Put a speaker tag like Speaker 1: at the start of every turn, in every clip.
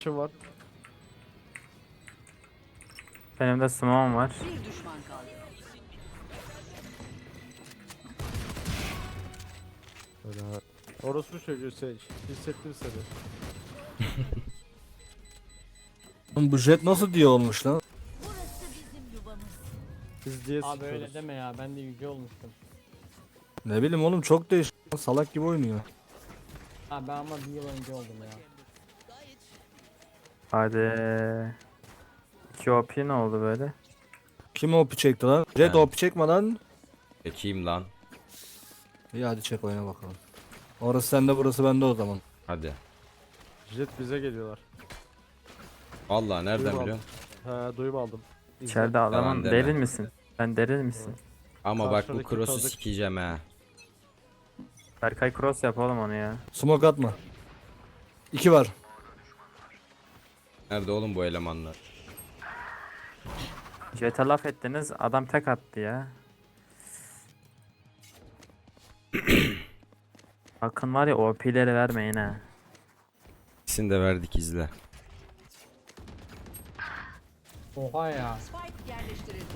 Speaker 1: Şu var.
Speaker 2: Benim de smoke'um var.
Speaker 3: Bir düşman kaldı.
Speaker 1: Öyle. Orospu çocuğu Sage. Hissettim seni.
Speaker 4: Oğlum bu jet nasıl diye olmuş lan?
Speaker 3: Burası bizim yuvamız.
Speaker 1: Biz diye
Speaker 5: Abi öyle
Speaker 1: sıkıyoruz.
Speaker 5: deme ya, ben de yüce olmuştum.
Speaker 4: Ne bileyim oğlum, çok değişik. Salak gibi oynuyor.
Speaker 5: Ha ben ama bir yıl önce oldum ya.
Speaker 2: Hadi. 2 OP ne oldu böyle?
Speaker 4: Kim OP çekti lan? Jet
Speaker 6: Ben.
Speaker 4: OP çekme lan.
Speaker 6: Çekeyim lan.
Speaker 4: İyi hadi çek, oyna bakalım. Orası sende, burası bende o zaman.
Speaker 6: Hadi.
Speaker 1: Jet bize geliyorlar.
Speaker 6: Vallahi nereden
Speaker 1: Duyum
Speaker 6: biliyorsun?
Speaker 1: He duyum aldım. İzle.
Speaker 2: İçeride adamın
Speaker 6: deme.
Speaker 2: deril misin? Ben deril misin?
Speaker 6: Ama bak bu
Speaker 1: Karşıdaki
Speaker 6: cross'u
Speaker 1: tanıdık.
Speaker 6: sikeceğim ha.
Speaker 2: Berkay cross yap oğlum onu ya.
Speaker 4: Smoke atma. 2 var.
Speaker 6: Nerede oğlum bu elemanlar?
Speaker 2: Jet'e laf ettiniz adam tek attı ya. Bakın var ya OP'leri vermeyin ha.
Speaker 6: İkisini de verdik, izle.
Speaker 5: Oha ya.
Speaker 3: Spike yerleştirildi.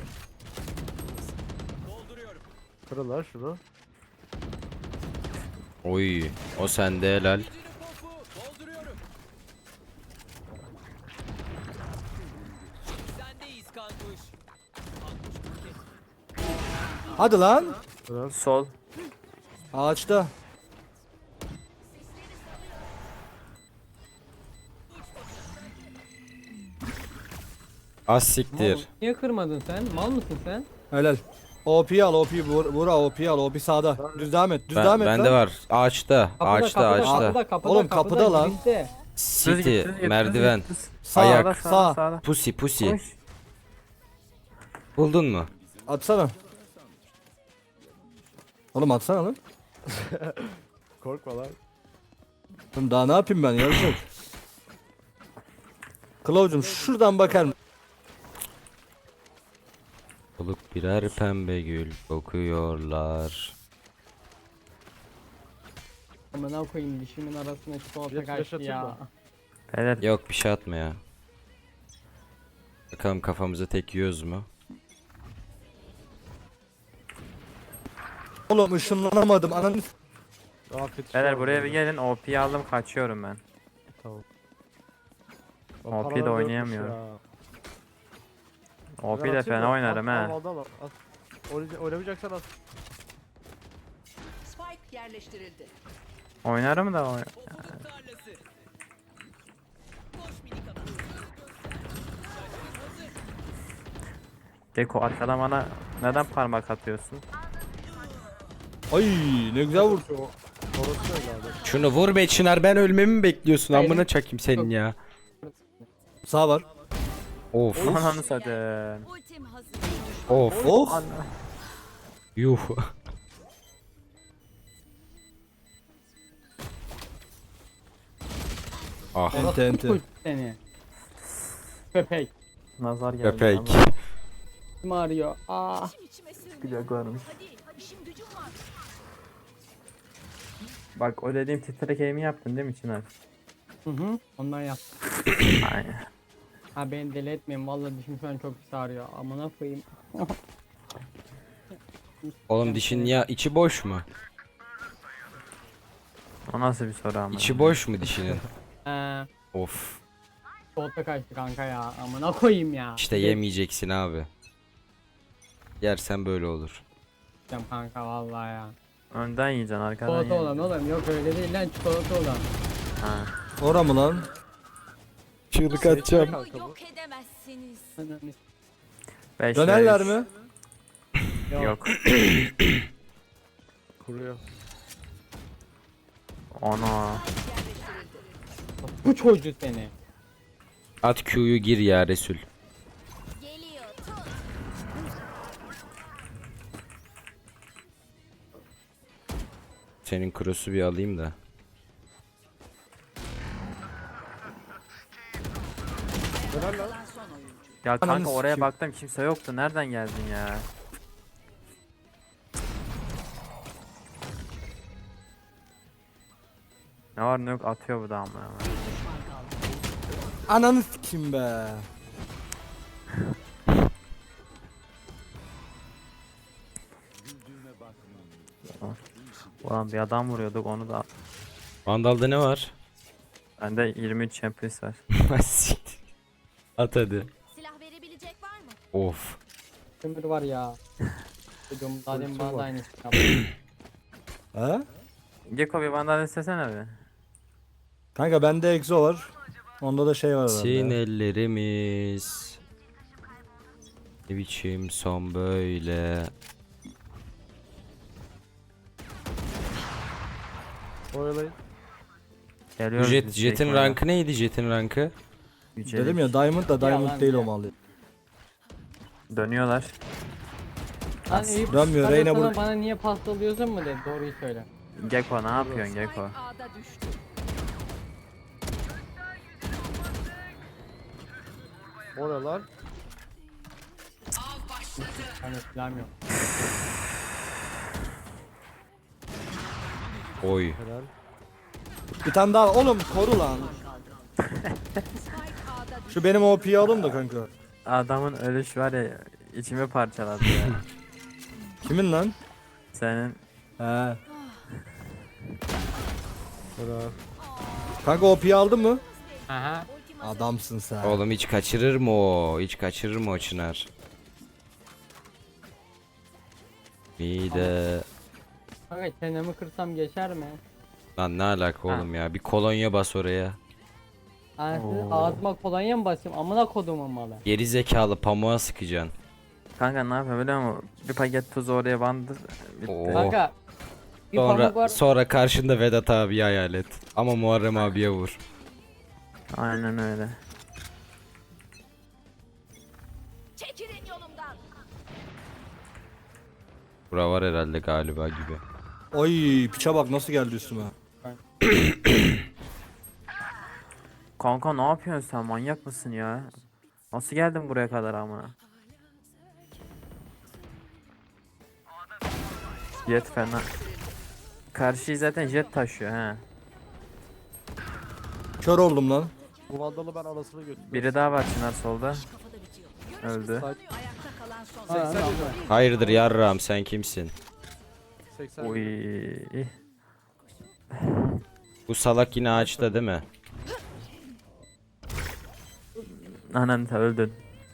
Speaker 1: Kırıl lan şunu.
Speaker 6: Oy, o sende helal.
Speaker 4: Hadi lan.
Speaker 2: Sol.
Speaker 4: Ağaçta.
Speaker 6: Az siktir.
Speaker 5: Niye kırmadın sen? Mal mısın sen?
Speaker 4: Helal. OP'yi al, OP'yi vur, OP'yi al, OP sağda. Düz devam et, düz devam et
Speaker 6: Bende
Speaker 4: lan.
Speaker 6: var. Ağaçta. Ağaçta, ağaçta.
Speaker 4: Oğlum, kapıda lan.
Speaker 5: girişte.
Speaker 6: City, merdiven.
Speaker 4: Sağ,
Speaker 6: Ayak.
Speaker 4: sağ.
Speaker 6: Pussy, pussy.
Speaker 2: Koş.
Speaker 6: Buldun mu?
Speaker 4: Atsana. Oğlum atsana lan.
Speaker 1: Korkma lan.
Speaker 4: Oğlum daha ne yapayım ben, yarayacak. Kılavuzum şuradan bakar mısın?
Speaker 6: Olup birer pembe gül kokuyorlar.
Speaker 5: Amına koyayım, dişimin arasına çikolata
Speaker 1: Bir flash
Speaker 5: kaçtı
Speaker 1: atayım
Speaker 5: ya.
Speaker 1: mı?
Speaker 2: Beyler
Speaker 6: Yok bir şey atma ya. Bakalım kafamıza tek yiyoruz mu?
Speaker 4: Oğlum ışınlanamadım ananı.
Speaker 1: Afiyet
Speaker 2: beyler
Speaker 1: olsun
Speaker 2: buraya bir
Speaker 1: abi.
Speaker 2: gelin OP'yi aldım kaçıyorum ben.
Speaker 1: Tamam.
Speaker 2: OP de
Speaker 1: Paralar
Speaker 2: oynayamıyor.
Speaker 1: dörtmüş ya.
Speaker 2: OP
Speaker 1: Ben
Speaker 2: de
Speaker 1: atayım
Speaker 2: fena
Speaker 1: mı?
Speaker 2: oynarım
Speaker 1: Al,
Speaker 2: he.
Speaker 1: al, al, al. Oynamayacaksan at.
Speaker 3: Spike yerleştirildi.
Speaker 2: Oynarım da Deko arkadan bana neden parmak atıyorsun?
Speaker 4: Ay ne güzel vurdu.
Speaker 1: Orası öyle abi.
Speaker 6: Şunu vur be Çınar, ben ölmemi mi bekliyorsun? Amına çakayım senin ya.
Speaker 4: Sağ var.
Speaker 6: Of.
Speaker 2: Ananı satayım.
Speaker 3: Ultim hazır.
Speaker 6: Of.
Speaker 4: Of.
Speaker 6: Yuh. Ah.
Speaker 4: Ente ente.
Speaker 5: Kuş seni. Köpek.
Speaker 2: Nazar geldi.
Speaker 6: Köpek.
Speaker 2: ama
Speaker 5: Kim arıyor? Aa.
Speaker 3: İçime sığmıyor.
Speaker 2: Güzel görmüş.
Speaker 3: Hadi işim gücüm var.
Speaker 2: Bak o dediğim titrek aim'i yaptın değil mi Çınar?
Speaker 5: Hı. Ondan yap.
Speaker 2: Aynen.
Speaker 5: Ha beni deli etmeyin, vallahi dişim şu an çok pis ağrıyor. Amına koyayım.
Speaker 6: Oğlum dişin ya içi boş mu?
Speaker 2: O nasıl bir soru ama?
Speaker 6: İçi boş mu dişinin? Of.
Speaker 5: Çikolata kaçtı kanka ya. Amına koyayım ya.
Speaker 6: İşte yemeyeceksin abi. Yersen böyle olur.
Speaker 5: Yiyeceğim kanka vallahi ya.
Speaker 2: Önden yiyeceksin arkadan
Speaker 5: Çikolata olan
Speaker 2: yiyeceksin.
Speaker 5: oğlum, yok öyle değil lan, çikolata olan.
Speaker 2: Ha.
Speaker 4: Ora mı lan?
Speaker 6: Çığlık
Speaker 1: atacağım.
Speaker 3: Bunu yok edemezsiniz.
Speaker 5: Ananı-
Speaker 2: Beş
Speaker 4: Dönerler
Speaker 2: ve üç.
Speaker 4: mi?
Speaker 2: Yok.
Speaker 1: Kuruyor.
Speaker 2: Ana.
Speaker 3: Yerleştirildi.
Speaker 5: Bu çocuğu seni.
Speaker 6: At Q'yu gir ya Resul.
Speaker 3: Geliyor. Tut.
Speaker 6: Senin cross'u bir alayım da.
Speaker 3: Kalan son oyuncu.
Speaker 2: Ya
Speaker 4: Ananı
Speaker 2: kanka oraya
Speaker 4: sikeyim.
Speaker 2: baktım kimse yoktu. Nereden geldin ya? Ne var ne yok atıyor bu da ama.
Speaker 3: Bir düşman kaldı.
Speaker 4: Ananı sikim be.
Speaker 2: Ulan bir adam vuruyorduk onu da.
Speaker 6: Vandal'da ne var?
Speaker 2: Bende 23 Champions var.
Speaker 6: Siktir. At hadi.
Speaker 3: Silah verebilecek var mı?
Speaker 6: Of.
Speaker 5: Kömür var ya. Dedim daha demin bana da
Speaker 1: var.
Speaker 5: aynısı yaptı.
Speaker 4: Ha?
Speaker 2: Gecko bir vandal istesene bir.
Speaker 4: Kanka bende egzo var. Onda da şey var herhalde.
Speaker 6: Sin ellerimiz. Ne biçim son böyle.
Speaker 1: Oyalayın.
Speaker 2: Geliyoruz
Speaker 6: Jet,
Speaker 2: biz
Speaker 6: Jet'in
Speaker 2: Gecko'ya.
Speaker 6: rankı neydi Jet'in rankı?
Speaker 2: Yücelik.
Speaker 4: Dedim ya Diamond da Diamond
Speaker 5: Yalan
Speaker 4: değil
Speaker 5: ya.
Speaker 4: o mal.
Speaker 2: Dönüyorlar.
Speaker 5: Lan Eyüp
Speaker 4: Dönmüyor,
Speaker 5: hadi
Speaker 4: Reyna
Speaker 5: sana
Speaker 4: bu-
Speaker 5: bana niye pastalıyorsun mu dedi. Doğruyu söyle.
Speaker 2: Gecko ne yapıyorsun Gecko?
Speaker 3: Spike A'da düştü.
Speaker 1: O ne lan?
Speaker 5: Hani silahım yok.
Speaker 6: Oy.
Speaker 1: Helal.
Speaker 4: Bir tane daha oğlum koru lan.
Speaker 3: Spike A'da düştü.
Speaker 4: Şu benim OP'yi alın da kanka.
Speaker 2: Adamın ölüş var ya içimi parçaladı ya.
Speaker 4: Kimin lan?
Speaker 2: Senin
Speaker 4: He.
Speaker 1: Helal.
Speaker 4: Kanka OP'yi aldın mı?
Speaker 5: Aha.
Speaker 4: Adamsın sen.
Speaker 6: Oğlum hiç kaçırır mı o? Hiç kaçırır mı o Çınar? İyi de.
Speaker 5: Kanka çenemi kırsam geçer mi?
Speaker 6: Lan ne alaka oğlum ya? Bir kolonya bas oraya.
Speaker 5: Anasını ağzıma kolonya mı basayım? Amına kodumun malı.
Speaker 6: Geri zekalı pamuğa sıkacaksın.
Speaker 2: kanka ne yapıyor biliyor musun? Bir paket tuzu oraya bandır. Bitti.
Speaker 6: Oo.
Speaker 5: Kanka. Bir pamuk
Speaker 6: Sonra
Speaker 5: var.
Speaker 6: sonra karşında Vedat abi hayal et. Ama Muharrem abiye vur.
Speaker 2: Aynen öyle.
Speaker 3: Çekilin yolumdan.
Speaker 6: Bura var herhalde galiba gibi.
Speaker 4: Oy piça bak nasıl geldi üstüme.
Speaker 2: Kanka ne yapıyorsun sen manyak mısın ya? Nasıl geldin buraya kadar amına? Jet fena. Karşıyı zaten jet taşıyor he.
Speaker 4: Kör oldum lan.
Speaker 1: Bu vandalı ben anasını götürdüm.
Speaker 2: Biri daha var Çınar solda.
Speaker 3: Kafada bitiyor.
Speaker 2: Öldü.
Speaker 3: Ayakta kalan son.
Speaker 5: Ha,
Speaker 1: 80
Speaker 5: tamam.
Speaker 1: yedi.
Speaker 6: Hayırdır yarram sen kimsin?
Speaker 1: 80
Speaker 2: Uy.
Speaker 1: yedi.
Speaker 6: Bu salak yine ağaçta değil mi?
Speaker 2: Anan sen öldün.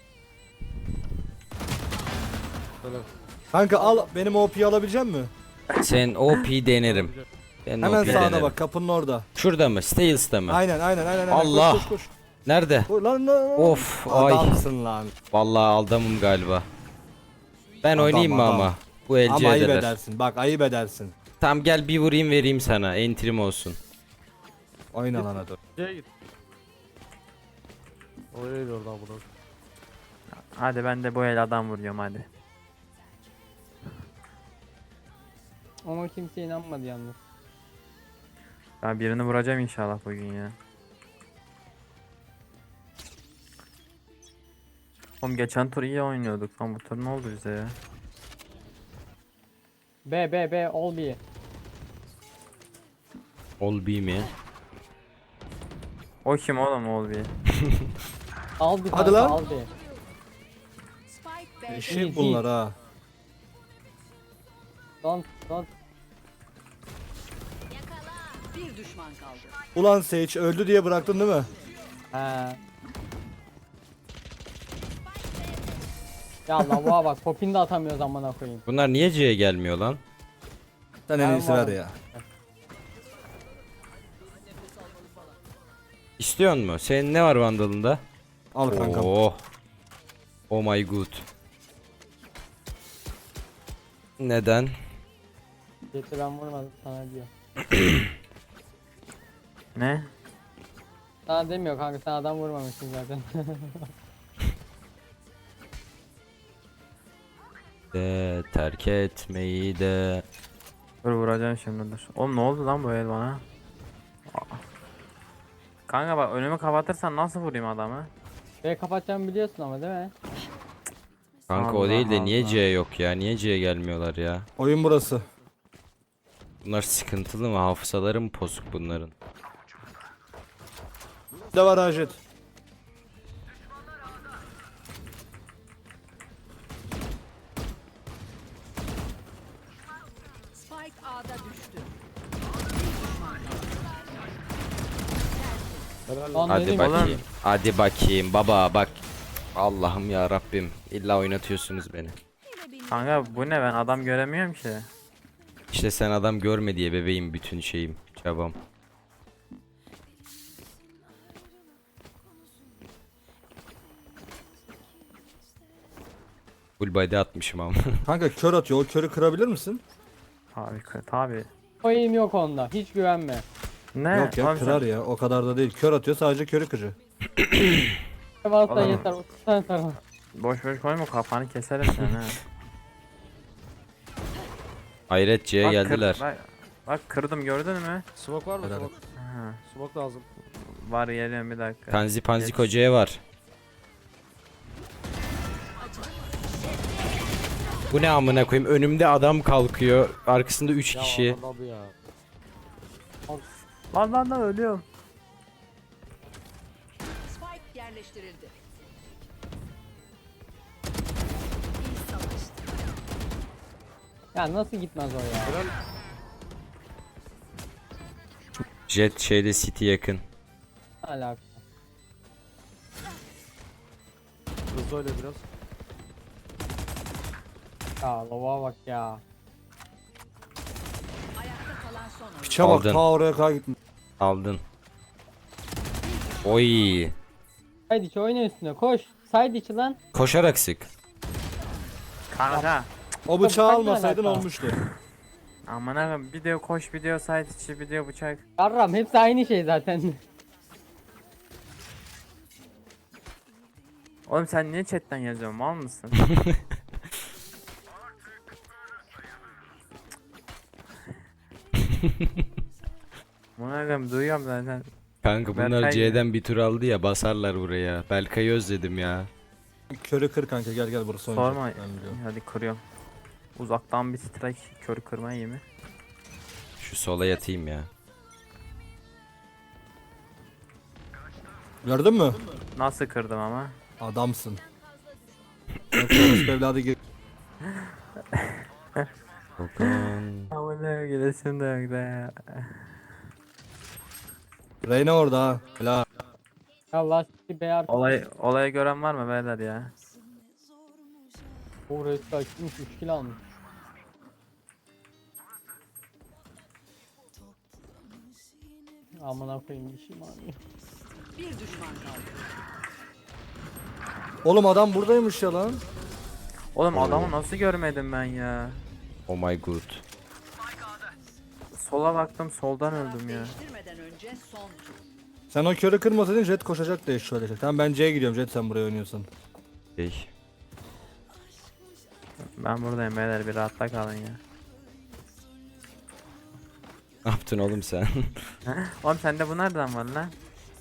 Speaker 1: Helal.
Speaker 4: Kanka al benim OP'yi alabilecek misin?
Speaker 6: Sen OP denerim. Ben
Speaker 4: Hemen
Speaker 6: OP
Speaker 4: sağda
Speaker 6: denerim.
Speaker 4: bak kapının orada.
Speaker 6: Şurada mı? Stales'ta mı?
Speaker 4: Aynen.
Speaker 6: Allah.
Speaker 4: Koş, koş, koş.
Speaker 6: Nerede?
Speaker 4: Lan.
Speaker 6: Of ay.
Speaker 4: Adamsın lan.
Speaker 6: Vallahi aldamım galiba. Ben
Speaker 4: Adam,
Speaker 6: oynayayım mı
Speaker 4: adam.
Speaker 6: ama? Bu elci
Speaker 4: Ama ayıp
Speaker 6: ederler.
Speaker 4: edersin. Bak ayıp edersin.
Speaker 6: Tamam gel bir vurayım vereyim sana. Entrim olsun.
Speaker 4: Oyna lan hadi.
Speaker 1: C'ye git. Oraya oradan bunu.
Speaker 2: Hadi ben de bu el adam vuruyorum hadi.
Speaker 5: Ama kimse inanmadı yalnız.
Speaker 2: Ben birini vuracağım inşallah bugün ya. Oğlum geçen tur iyi oynuyorduk lan bu tur ne oldu bize ya?
Speaker 5: B all B.
Speaker 6: Ol B mi?
Speaker 2: O kim oğlum ol bir?
Speaker 5: Al bir
Speaker 4: Hadi
Speaker 5: tane
Speaker 4: lan.
Speaker 5: al bir.
Speaker 3: Spike B'de.
Speaker 4: Eşek bunlar ha.
Speaker 5: Don't.
Speaker 3: Yakala. Bir düşman kaldı.
Speaker 4: Ulan Sage öldü diye bıraktın değil mi?
Speaker 5: He. Ya lavuğa bak popini de atamıyoruz amına koyayım.
Speaker 6: Bunlar niye C'ye gelmiyor lan?
Speaker 4: Sen en
Speaker 5: Ben
Speaker 4: iyisi ver
Speaker 5: varım.
Speaker 4: ya.
Speaker 6: İstiyor mu? Senin ne var vandalında?
Speaker 4: Al kankam.
Speaker 6: Oh. Oh my god. Neden?
Speaker 5: Yeter ben vurmadım sana diyor.
Speaker 2: Ne?
Speaker 5: Sana demiyor kanka sen adam vurmamışsın zaten.
Speaker 6: De terk etmeyi de.
Speaker 2: Dur vuracağım şimdi dur. Oğlum ne oldu lan bu el bana? Aa. Kanka bak önümü kapatırsan nasıl vurayım adamı?
Speaker 5: Ve kapatacağımı biliyorsun ama değil mi?
Speaker 6: Kanka o
Speaker 2: Allah
Speaker 6: değil de niye
Speaker 2: Allah.
Speaker 6: C yok ya? Niye C'ye gelmiyorlar ya?
Speaker 4: Oyun burası.
Speaker 6: Bunlar sıkıntılı mı? Hafızaları mı bozuk bunların?
Speaker 4: Bir de var Ajet.
Speaker 1: Helal
Speaker 5: Lan
Speaker 1: lan.
Speaker 6: Hadi
Speaker 5: dedim
Speaker 6: bakayım.
Speaker 5: ki,
Speaker 6: Hadi bakayım baba bak. Allah'ım ya Rabbim. İlla oynatıyorsunuz beni.
Speaker 2: Kanka bu ne, ben adam göremiyorum ki.
Speaker 6: İşte sen adam görme diye bebeğim bütün şeyim. Çabam. Full body atmışım ama.
Speaker 4: Kanka kör atıyor. O körü kırabilir misin?
Speaker 2: Tabi.
Speaker 5: koyayım yok onda. Hiç güvenme.
Speaker 2: Ne?
Speaker 4: Yok ya
Speaker 2: Oğlum sen-
Speaker 4: kırar ya. O kadar da değil. Kör atıyor sadece körü kırıyor.
Speaker 5: Varsa
Speaker 2: Oğlum.
Speaker 5: yeter. 30 tane sarma.
Speaker 2: Boş boş koyma, kafanı keserim sen ha.
Speaker 6: Hayret C'ye
Speaker 2: Bak,
Speaker 6: geldiler.
Speaker 2: Bak kırdım, gördün mü?
Speaker 1: Smoke var mı?
Speaker 4: Helal.
Speaker 1: Smoke.
Speaker 2: Ha,
Speaker 1: Smoke lazım.
Speaker 2: var, geliyorum bir dakika.
Speaker 6: Panzi Panzi
Speaker 2: Geç.
Speaker 6: kocaya var. Bu ne amına koyayım? Önümde adam kalkıyor. Arkasında 3
Speaker 1: Ya
Speaker 6: kişi.
Speaker 1: adam abi ya.
Speaker 2: Lan ölüyorum.
Speaker 3: Spike yerleştirildi. İyi savaştı.
Speaker 5: Ya nasıl gitmez o ya?
Speaker 6: Jet şeyde City yakın.
Speaker 5: Alaka.
Speaker 1: Hızlı öyle biraz.
Speaker 5: Ya lova bak ya.
Speaker 3: Ayakta kalan son oyuncu.
Speaker 4: Piçe bak
Speaker 6: Aldın.
Speaker 4: ta oraya kadar gitmiş.
Speaker 6: Aldın. Oy.
Speaker 5: Haydi içi oyna üstüne koş. Side içi lan.
Speaker 6: Koşarak sık.
Speaker 2: Kanka.
Speaker 4: O bıçağı
Speaker 5: Bıçak ne
Speaker 4: almasaydın
Speaker 5: alaka?
Speaker 4: olmuştu.
Speaker 2: Aman abi, video koş, video site içi, video bıçak.
Speaker 5: Yarram hepsi aynı şey zaten.
Speaker 2: Oğlum sen niye chatten yazıyorsun, mal mısın? Bunu duyuyorum zaten.
Speaker 6: Kanka bunlar
Speaker 2: Berkay
Speaker 6: C'den bir tur aldı ya basarlar buraya. Belkay'ı özledim ya.
Speaker 4: Körü kır kanka gel burası oynayacak.
Speaker 2: Sorma.
Speaker 4: Ben biliyorum.
Speaker 2: Hadi kırıyorum. Uzaktan bir strike, körü kırma iyi mi?
Speaker 6: Şu sola yatayım ya.
Speaker 4: Gördün mü?
Speaker 2: Nasıl kırdım ama?
Speaker 4: Adamsın. Bak, orospu evladı gir.
Speaker 6: Okan.
Speaker 2: Amına gidesin de yok da ya.
Speaker 4: Reyna orada ha. Helal.
Speaker 5: Ya lastik beyar.
Speaker 2: Olayı gören var mı beyler ya?
Speaker 5: Uğraşı açmış 3 kilo almış. Amına koyayım dişim ağrıyor.
Speaker 3: Bir düşman kaldı.
Speaker 4: Oğlum adam buradaymış ya lan.
Speaker 2: Oğlum adamı nasıl görmedim ben ya?
Speaker 6: Oh my god.
Speaker 2: Sola baktım, soldan öldüm ya.
Speaker 3: Değiştirmeden önce son tur.
Speaker 4: Sen o körü kırmasaydın Jet koşacak da eşşoğlu olacak. Tamam ben C'ye gidiyorum Jet sen buraya oynuyorsan.
Speaker 6: Şey.
Speaker 2: Ben buradayım beyler, bir rahatta kalın ya.
Speaker 6: Ne yaptın oğlum sen?
Speaker 2: Oğlum sende bu nereden var lan?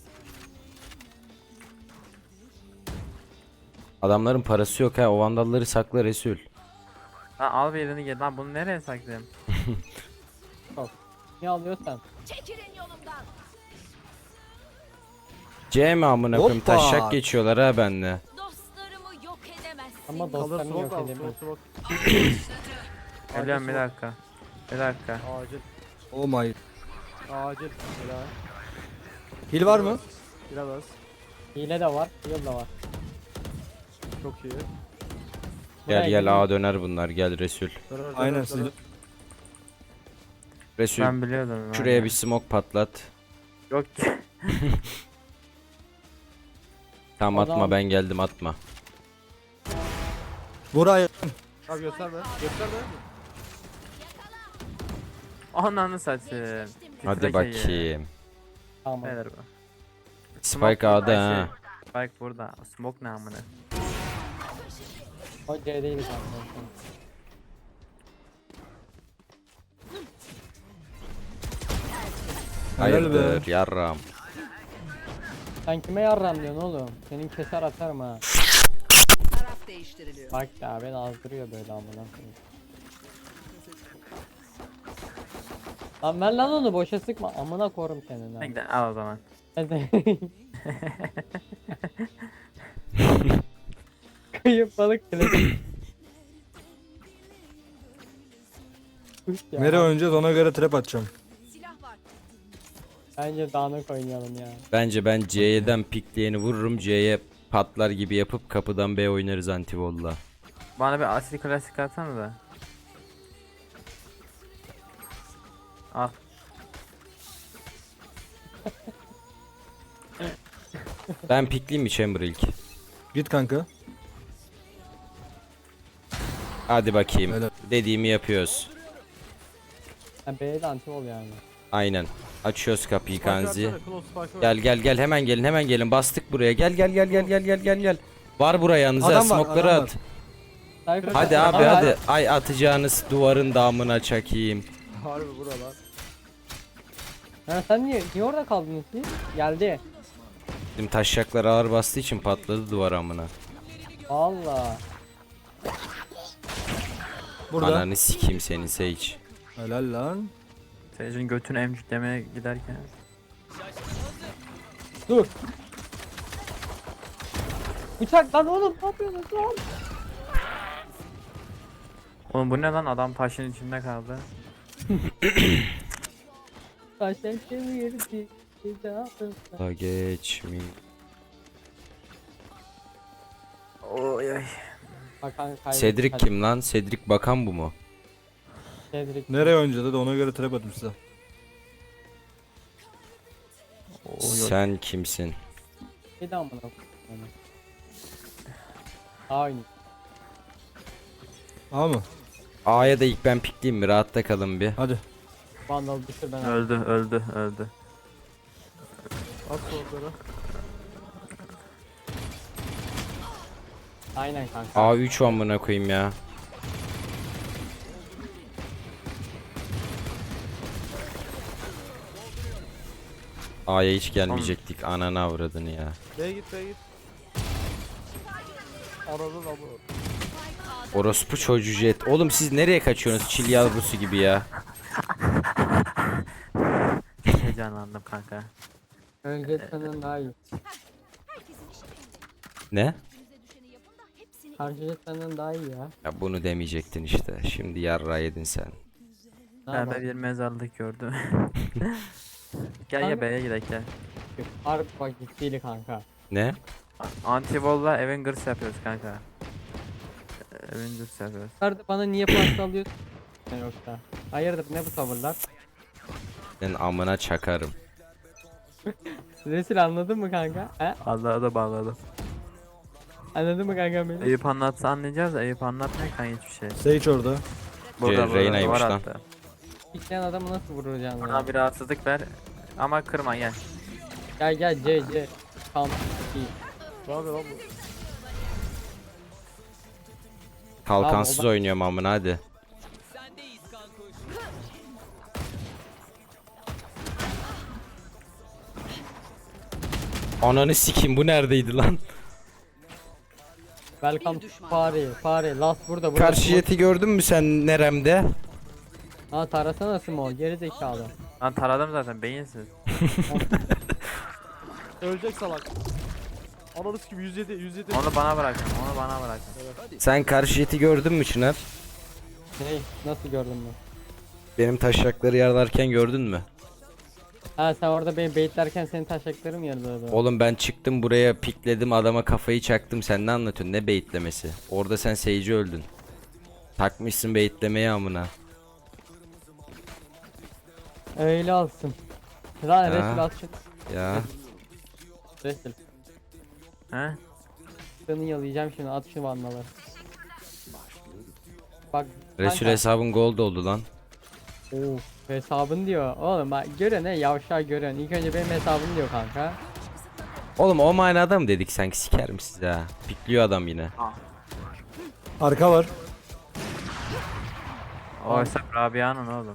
Speaker 6: Adamların parası yok ha. O vandalları sakla Resul.
Speaker 2: Lan al birini gel lan, bunu nereye saklayayım?
Speaker 5: Niye alıyorsan?
Speaker 3: Çekilin yolumdan.
Speaker 6: C mi amına koyayım?
Speaker 4: Hoppa.
Speaker 6: Taşak geçiyorlar ha benle.
Speaker 3: Dostlarımı yok edemezsin.
Speaker 5: Ama
Speaker 1: Kalır
Speaker 5: dostlarını
Speaker 1: smoke
Speaker 5: yok
Speaker 1: lazım.
Speaker 5: edemiyor.
Speaker 1: Smoke.
Speaker 2: Geliyorum bir
Speaker 1: smoke.
Speaker 2: dakika. Bir dakika.
Speaker 1: Acil.
Speaker 4: Oh my.
Speaker 1: Acil. Helal.
Speaker 4: Hil var mı?
Speaker 1: Biraz.
Speaker 5: Hile de var, yıl da var.
Speaker 1: Çok iyi.
Speaker 6: Gel
Speaker 5: Buraya
Speaker 6: gel
Speaker 5: gelin.
Speaker 6: A döner bunlar. Gel Resul.
Speaker 1: Döner,
Speaker 4: Aynen
Speaker 1: döner,
Speaker 4: siz.
Speaker 1: döner.
Speaker 6: Resul
Speaker 2: Ben biliyordum. ben
Speaker 6: şuraya
Speaker 2: ya.
Speaker 6: bir smoke patlat.
Speaker 2: Yok ki.
Speaker 6: Tamam
Speaker 5: Adam-
Speaker 6: atma ben geldim atma.
Speaker 4: Buraya.
Speaker 1: Abi gösterme. Gösterme.
Speaker 2: Ananı satayım.
Speaker 6: Hadi
Speaker 2: Titrek iyi.
Speaker 6: bakayım.
Speaker 5: Tamam.
Speaker 2: Beyler bu.
Speaker 6: Spike A'da ha.
Speaker 2: Spike burada. Smoke ne amına?
Speaker 5: O C değil zaten.
Speaker 4: Helal be.
Speaker 6: Hayırdır yarram.
Speaker 5: Sen kime yarram diyorsun oğlum? Senin keser atarım ha.
Speaker 3: Taraf değiştiriliyor.
Speaker 5: Bak ya beni azdırıyor böyle amına koyayım. Lan ver lan onu boşa sıkma amına korum senin ha.
Speaker 2: Bekle al o zaman.
Speaker 5: Hadi. Kayıp balık klasik. Kuş ya.
Speaker 4: Nereye oynayacağız ona göre trap atacağım.
Speaker 3: Silah var.
Speaker 5: Bence dağınık oynayalım ya.
Speaker 6: Bence ben C'den pikleyeni vururum. C'ye patlar gibi yapıp kapıdan B oynarız antivolla.
Speaker 2: Bana bir asil klasik atsana da. Al.
Speaker 6: Ben pikleyeyim mi Chamber ilk?
Speaker 4: Git kanka.
Speaker 6: Hadi bakayım.
Speaker 4: Öyle.
Speaker 6: Dediğimi yapıyoruz.
Speaker 5: Ha, B'de anti ol yani.
Speaker 6: Aynen. Açıyoruz kapıyı
Speaker 1: Spike
Speaker 6: Kanzi.
Speaker 1: atsana, close spike
Speaker 6: Gel
Speaker 1: ver.
Speaker 6: gel gel hemen gelin bastık buraya. Gel. Var buraya yanınıza
Speaker 4: Adam var,
Speaker 6: smoke'ları
Speaker 4: adam
Speaker 6: at.
Speaker 5: Cypher-
Speaker 6: Hadi abi
Speaker 5: Ama-
Speaker 6: hadi. Ay atacağınız duvarın damına çakayım.
Speaker 1: Harbi buralar.
Speaker 5: Ha, sen niye orada kaldın ki? Geldi.
Speaker 6: Bizim taşacaklar ağır bastığı için patladı duvar amına.
Speaker 5: Valla.
Speaker 4: Burada.
Speaker 6: Ananı sikeyim seni Sage.
Speaker 4: Helal lan.
Speaker 2: Sage'in götünü emciklemeye giderken.
Speaker 5: Dur. Bıçak lan oğlum, ne yapıyorsun lan?
Speaker 2: Oğlum bu ne lan, adam taşın içinde kaldı.
Speaker 5: Taşlar çevirdi. Bir daha yapıyorsun.
Speaker 6: Da geçmi.
Speaker 2: Oy ay.
Speaker 5: Hakan kaybettik.
Speaker 6: Cedric kim lan? Cedric bakan bu mu?
Speaker 5: Cedric.
Speaker 4: Nereye oynayacaktı da ona göre trap atayım size.
Speaker 6: Sen kimsin?
Speaker 5: Bir daha amına koyayım. Aynı.
Speaker 4: Aa mı?
Speaker 6: A'ya da ilk ben pikleyeyim mi? Rahatta kalın bir.
Speaker 4: Hadi.
Speaker 5: Vandal düşür ben.
Speaker 2: Öldü.
Speaker 1: At sollara.
Speaker 5: Aynen kanka.
Speaker 6: A3 amına koyayım ya. A'ya hiç gelmeyecektik. Ananı avradını ya.
Speaker 1: B'ye git. Anladın ama.
Speaker 6: Orospu çocuğu jet. Oğlum siz nereye kaçıyorsunuz? Çil yavrusu gibi ya.
Speaker 2: Heyecanlandım kanka.
Speaker 5: Önce senden daha iyi.
Speaker 6: Ne?
Speaker 5: Karşı senden daha iyi ya.
Speaker 6: Ya bunu demeyecektin işte. Şimdi yarra yedin sen.
Speaker 5: Ne
Speaker 2: Ben
Speaker 5: yapalım?
Speaker 2: bir mezarlık gördüm. Gel
Speaker 5: Kanka-
Speaker 2: B'ye gidelim gel.
Speaker 5: Harbi bak ciddiydi kanka.
Speaker 6: Ne?
Speaker 2: Antivol'la Avengers yapıyoruz kanka. Avengers yapıyoruz.
Speaker 5: Nerede bana niye pasta alıyorsun? Ne yoksa. Hayırdır ne bu tavırlar?
Speaker 6: Senin amına çakarım.
Speaker 5: Resul anladın mı kanka? He?
Speaker 2: Allah'a da bağladım.
Speaker 5: Anladın mı kanka beni?
Speaker 2: Eyüp anlatsa anlayacağız da Eyüp anlatmıyor kanka hiçbir şey.
Speaker 4: Sage orada.
Speaker 6: Reyna'ymış
Speaker 2: var
Speaker 6: lan.
Speaker 2: hatta.
Speaker 5: İsteyen adamı nasıl vuracaksın ya?
Speaker 2: Bana bir rahatsızlık ver ama kırma gel.
Speaker 5: Gel C. Kamp. İyi.
Speaker 1: Ne yapıyor lan bu?
Speaker 6: Kalkansız
Speaker 5: Tamam, o da-
Speaker 6: oynuyorum amına hadi. Ananı sikeyim bu neredeydi lan?
Speaker 5: Welcome
Speaker 3: Bir
Speaker 5: to
Speaker 3: düşman.
Speaker 5: Fare. Last burada.
Speaker 6: Karşı jeti gördün mü sen neremde?
Speaker 5: Ha tarasana Simo. Geri zekalı.
Speaker 2: Lan taradım zaten beyinsiz.
Speaker 1: Ölecek salak. Ananız gibi 107.
Speaker 2: Onu bana bırakın.
Speaker 6: Sen karşı jeti gördün mü Çınar?
Speaker 5: Ne? Nasıl gördün mü?
Speaker 6: Benim taşakları yarlarken gördün mü?
Speaker 5: Ha sen orada beni baitlerken senin taşaklarım yarılıyordu.
Speaker 6: Oğlum ben çıktım buraya pikledim adama kafayı çaktım sen ne anlatıyorsun ne beyitlemesi? Orada sen Sage'i öldün. Takmışsın beyitlemeye amına.
Speaker 5: Öyle olsun. Lan
Speaker 6: Ya.
Speaker 5: Resul at şu.
Speaker 6: Ya
Speaker 5: Resul.
Speaker 2: He?
Speaker 5: Seni yalayacağım şimdi at şu vandaları. Bak.
Speaker 6: Resul
Speaker 5: kanka-
Speaker 6: hesabın gold oldu lan.
Speaker 5: Of, hesabın diyor. Oğlum bak gören ne yavşağı gören. İlk önce benim hesabım diyor kanka.
Speaker 6: Oğlum o manada mı dedik sanki sikerim sizi ha. Pikliyor adam yine.
Speaker 4: Arka var.
Speaker 2: O hesap Rabia'nın oğlum.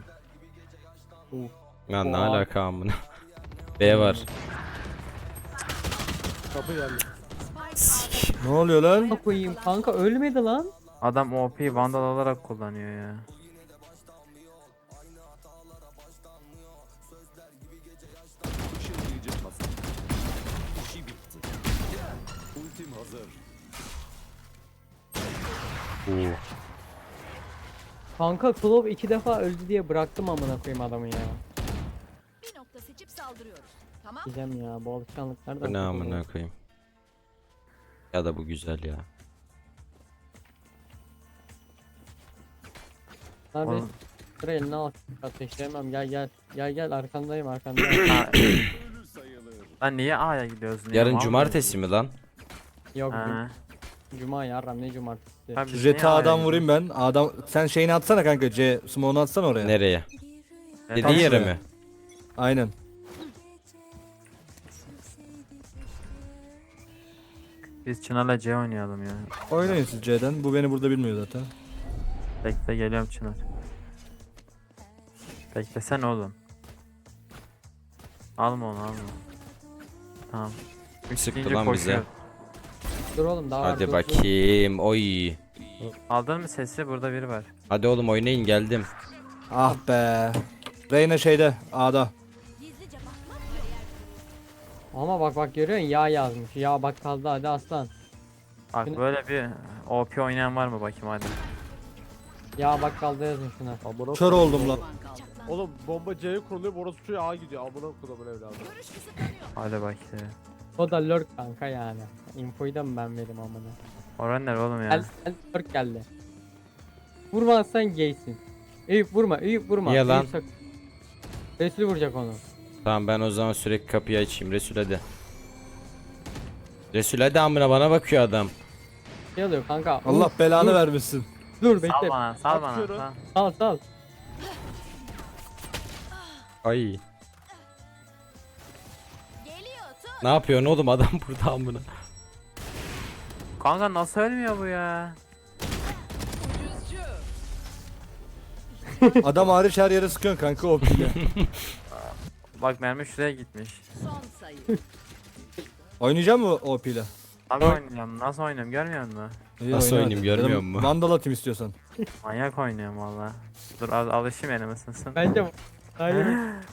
Speaker 6: Ya ne
Speaker 5: Oha.
Speaker 6: alaka amına. B var.
Speaker 1: Kapı geldi.
Speaker 4: Ne oluyor lan?
Speaker 5: Ne koyayım kanka ölmedi lan.
Speaker 2: Adam OP vandal olarak kullanıyor ya.
Speaker 5: Kanka Klov 2 defa öldü diye bıraktım amına koyayım adamı ya.
Speaker 3: Bir nokta seçip sağ. saldırıyoruz. Tamam.
Speaker 5: Gidem ya bu alışkanlıklar da.
Speaker 6: Bu ne amına koyayım. Ya da bu güzel ya.
Speaker 5: Abi
Speaker 2: Oğlum.
Speaker 5: sıra eline al. Ateşleyemem gel arkandayım arkandayım.
Speaker 2: Ha, Lan niye A'ya gidiyoruz? Niye
Speaker 6: Yarın
Speaker 2: mal
Speaker 6: cumartesi mi lan?
Speaker 5: Yok
Speaker 2: mıyız? Ha.
Speaker 5: cuma yarram ne cumartesi.
Speaker 2: Ha, biz niye
Speaker 4: Jet'e
Speaker 2: A'ya
Speaker 4: adam
Speaker 2: gidiyoruz?
Speaker 4: vurayım ben. Adam sen şeyini atsana kanka. Smoke'unu atsana oraya.
Speaker 6: Nereye?
Speaker 2: Evet,
Speaker 6: Dediğin yere
Speaker 4: şuraya.
Speaker 6: mi?
Speaker 4: Aynen.
Speaker 2: Biz Çınar'la C oynayalım ya.
Speaker 4: Oynayın siz C'den. Bu beni burada bilmiyor zaten.
Speaker 2: Bekle geliyorum Çınar. Beklesene oğlum. Alma onu alma. Tamam. Üç
Speaker 6: Sıktı
Speaker 2: deyince
Speaker 6: lan bize.
Speaker 2: koşuyor.
Speaker 5: Dur oğlum daha var.
Speaker 6: Hadi
Speaker 5: dur.
Speaker 6: bakayım. Oy.
Speaker 2: Aldın mı sesi? Burada biri var.
Speaker 6: Hadi oğlum oynayın geldim.
Speaker 4: Ah be. Reyna şeyde A'da.
Speaker 3: Gizlice bakmak yok.
Speaker 5: Ama bak görüyorsun ya yazmış. Ya bak kaldı hadi aslan.
Speaker 2: Bak
Speaker 5: Şimdi-
Speaker 2: böyle bir OP oynayan var mı bakayım hadi.
Speaker 5: Ya bak kaldı yazmış şuna.
Speaker 1: Amına
Speaker 4: Kör
Speaker 1: koyayım.
Speaker 4: oldum lan.
Speaker 3: Düşman kaldı.
Speaker 1: Oğlum bomba C'ye kuruluyor, orospu çocuğu A gidiyor. Amına kodumun evladı.
Speaker 3: Görüş kısıtlanıyor.
Speaker 2: Hadi bakayım.
Speaker 5: O da lurk kanka yani. Infoyu da mı ben vereyim amına.
Speaker 2: Oran ne oğlum ya?
Speaker 5: Gel lurk geldi. Vurmazsan gaysin. Eyüp vurma Eyüp vurma.
Speaker 6: Niye
Speaker 5: Eyüp
Speaker 6: lan?
Speaker 5: Resul vuracak onu.
Speaker 6: Tamam ben o zaman sürekli kapıyı açayım. Resul hadi. Resul hadi amına bana bakıyor adam.
Speaker 5: Şey oluyor kanka.
Speaker 4: Allah belanı
Speaker 5: dur.
Speaker 4: vermesin.
Speaker 5: Dur
Speaker 2: Sal
Speaker 5: bekle.
Speaker 2: bana, sal bana.
Speaker 1: Atıyorum.
Speaker 2: Sal.
Speaker 5: Sal.
Speaker 6: Ay.
Speaker 3: Geliyor tut.
Speaker 6: Ne yapıyorsun oğlum adam burada amına.
Speaker 2: Kanka nasıl ölmüyor bu ya?
Speaker 3: Ucuzcu.
Speaker 4: Adam hariç her yere sıkıyorsun kanka o pille.
Speaker 2: Bak mermi şuraya gitmiş.
Speaker 3: Son sayı.
Speaker 4: Oynayacak mı o pille?
Speaker 2: Abi oynuyorum. Nasıl oynuyorum görmüyor musun?
Speaker 4: İyi,
Speaker 6: Nasıl
Speaker 4: oyna
Speaker 6: oynayayım,
Speaker 4: hadi.
Speaker 6: görmüyor
Speaker 4: Ya da
Speaker 6: musun?
Speaker 4: Vandal atayım istiyorsan.
Speaker 2: Manyak oynuyorum valla. Dur alışayım elim ısınsın.
Speaker 5: Bence hayır.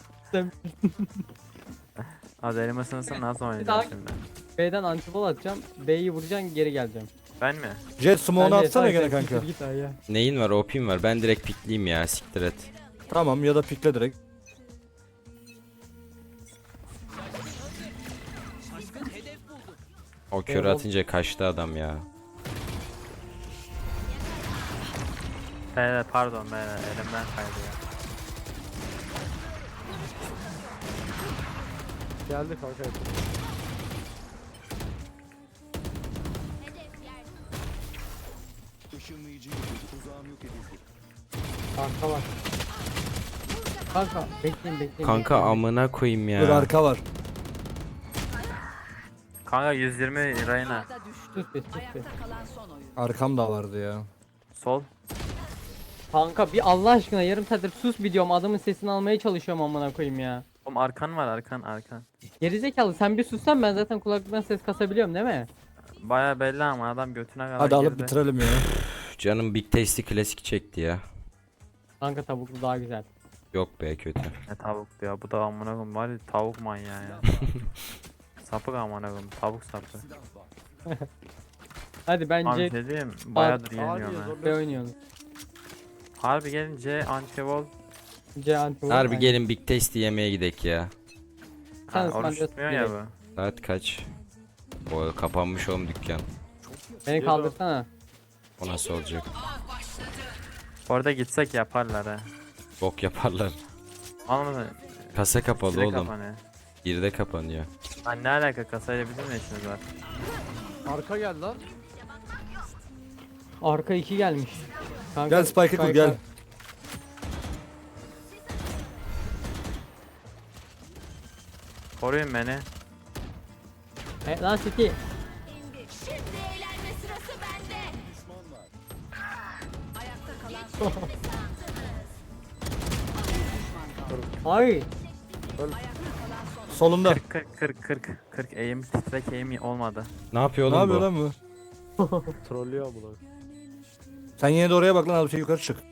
Speaker 2: Hadi elim ısınsın nasıl
Speaker 5: daha-
Speaker 2: oynayacağım şimdi?
Speaker 5: B'den antibol atacağım. B'yi vuracaksın geri geleceğim.
Speaker 2: Ben mi?
Speaker 4: Jet smoke'unu
Speaker 5: Bence
Speaker 4: atsana
Speaker 5: sadece
Speaker 4: gene kanka.
Speaker 5: siktir Git ay ya.
Speaker 6: Neyin var OP'm var ben direkt pikleyeyim ya siktir et.
Speaker 4: Tamam ya da pikle direkt.
Speaker 6: O körü
Speaker 5: Eyvallah.
Speaker 6: atınca kaçtı adam ya.
Speaker 2: Beyler pardon beyler elimden kaydı ya.
Speaker 1: Geldi kanka.
Speaker 5: Kanka var. Kanka bekleyin.
Speaker 6: Kanka
Speaker 5: bekleyin.
Speaker 6: amına koyayım
Speaker 4: Dur
Speaker 6: ya.
Speaker 4: arka var.
Speaker 2: Kanka 120 Reyna.
Speaker 3: A'da düştü.
Speaker 5: Sus be sus be.
Speaker 3: Ayakta kalan son oyun.
Speaker 4: Arkam da vardı ya.
Speaker 2: Sol.
Speaker 5: Kanka bir Allah aşkına yarım saattir sus bir diyorum adamın sesini almaya çalışıyorum amına koyayım ya.
Speaker 2: Oğlum arkan var arkan.
Speaker 5: Gerizekalı sen bir sussan ben zaten kulaklıktan ses kasabiliyorum değil mi?
Speaker 2: Baya belli ama adam götüne kadar
Speaker 4: Hadi alıp
Speaker 2: girdi.
Speaker 4: bitirelim ya.
Speaker 6: Üf, canım Big Tasty klasik çekti ya.
Speaker 5: Kanka tavuklu daha güzel.
Speaker 6: Yok be kötü.
Speaker 2: Ne tavuktu ya bu da amına koyayım var ya tavuk manyağı ya. Sapık amına koyayım tavuk sapı.
Speaker 5: Hadi
Speaker 2: Abi
Speaker 5: bence
Speaker 2: şey diyeyim bayağıdır
Speaker 1: Abi
Speaker 2: yenmiyorum ha.
Speaker 5: B oynuyoruz.
Speaker 2: Harbi gelince antivol.
Speaker 5: C anti
Speaker 6: Harbi gelin Big Tasty yemeye gidek ya.
Speaker 5: Sen
Speaker 2: Ha, oruç
Speaker 5: ısmarlıyorsun
Speaker 2: tutmuyor ya
Speaker 5: direkt.
Speaker 2: bu.
Speaker 6: Saat kaç? O kapanmış oğlum dükkan.
Speaker 5: Beni kaldırsana.
Speaker 6: O nasıl olacak?
Speaker 2: Orada gitsek yaparlar ha.
Speaker 6: Bok yaparlar.
Speaker 2: Olmadı.
Speaker 6: Kasa kapalı
Speaker 2: Direkt
Speaker 6: oğlum.
Speaker 2: kapanıyor.
Speaker 6: 1'de kapanıyor.
Speaker 2: Lan ne alaka kasayla bizim ne işimiz var?
Speaker 1: Arka gel lan.
Speaker 5: Arka 2 gelmiş. Kanka,
Speaker 4: Gel Spike'ı kur gel.
Speaker 2: Koruyun beni.
Speaker 5: Lan City.
Speaker 3: İndi. Şimdi eğlenme sırası bende. Ayakta kalan son oyun.
Speaker 5: Ay.
Speaker 3: Ayakta kalan son
Speaker 4: Solunda.
Speaker 2: 40 eğim titrek eğim olmadı.
Speaker 6: Ne yapıyor
Speaker 4: Ne
Speaker 6: oğlum
Speaker 4: yapıyor
Speaker 6: bu?
Speaker 4: lan bu?
Speaker 1: Trollüyor amına.
Speaker 4: Sen yine de oraya bak lan abi şey yukarı çık.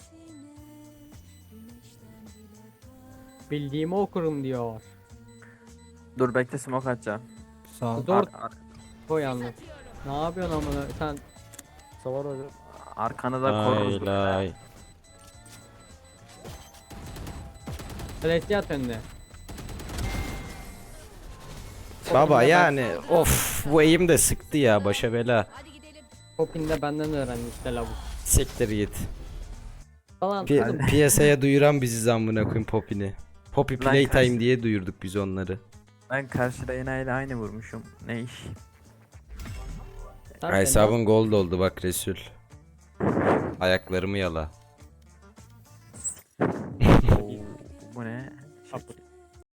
Speaker 5: Bildiğimi okurum diyor.
Speaker 2: Dur bekle smoke atacağım.
Speaker 4: Sağ ol.
Speaker 5: Zor
Speaker 2: Ar-
Speaker 5: koy yalnız. Ne yapıyorsun amına sen?
Speaker 1: Savar oyna.
Speaker 2: arkanı da koruruz.
Speaker 6: Lay lay.
Speaker 5: Celestia at önüne.
Speaker 6: Baba yani of bu eğim de sıktı ya başa bela.
Speaker 3: Hadi gidelim.
Speaker 5: Popin de benden öğrendi işte lavuk.
Speaker 6: Siktir git.
Speaker 5: Falan.
Speaker 6: Piyasaya duyuran biziz amına koyayım Poppy'ni. Poppy
Speaker 2: Lan
Speaker 6: Playtime
Speaker 2: kaç-
Speaker 6: diye duyurduk biz onları.
Speaker 2: Ben karşıda enayiyle aynı vurmuşum. Ne iş?
Speaker 5: Sen
Speaker 6: Hesabın gold oldu bak Resul. Ayaklarımı yala.